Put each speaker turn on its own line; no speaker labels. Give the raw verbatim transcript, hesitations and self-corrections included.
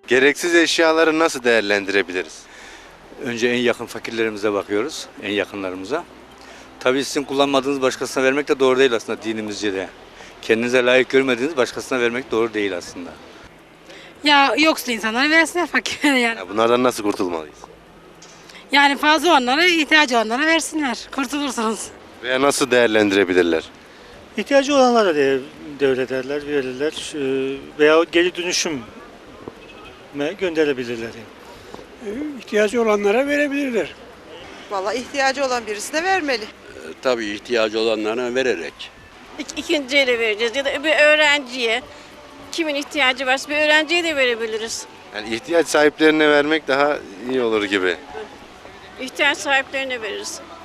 Gereksiz eşyaları nasıl değerlendirebiliriz?
Önce en yakın fakirlerimize bakıyoruz, en yakınlarımıza. Tabii sizin kullanmadığınız başkasına vermek de doğru değil aslında dinimizce de. Kendinize layık görmediğiniz başkasına vermek doğru değil aslında.
Ya yoksul insanlara versinler fakirlere yani.
Ya bunlardan nasıl kurtulmalıyız?
Yani fazla olanlara, ihtiyacı olanlara versinler. Kurtulursunuz.
Veya nasıl değerlendirebilirler?
İhtiyacı olanlara da devlederler, verirler Ee, veya geri dönüşüme gönderebilirler. Yani.
İhtiyacı olanlara verebilirler.
Vallahi ihtiyacı olan birisine vermeli.
Tabii ihtiyacı olanlara vererek.
İk, ikinci ele vereceğiz ya da bir öğrenciye, kimin ihtiyacı varsa bir öğrenciye de verebiliriz.
Yani ihtiyaç sahiplerine vermek daha iyi olur gibi.
İhtiyaç sahiplerine veririz.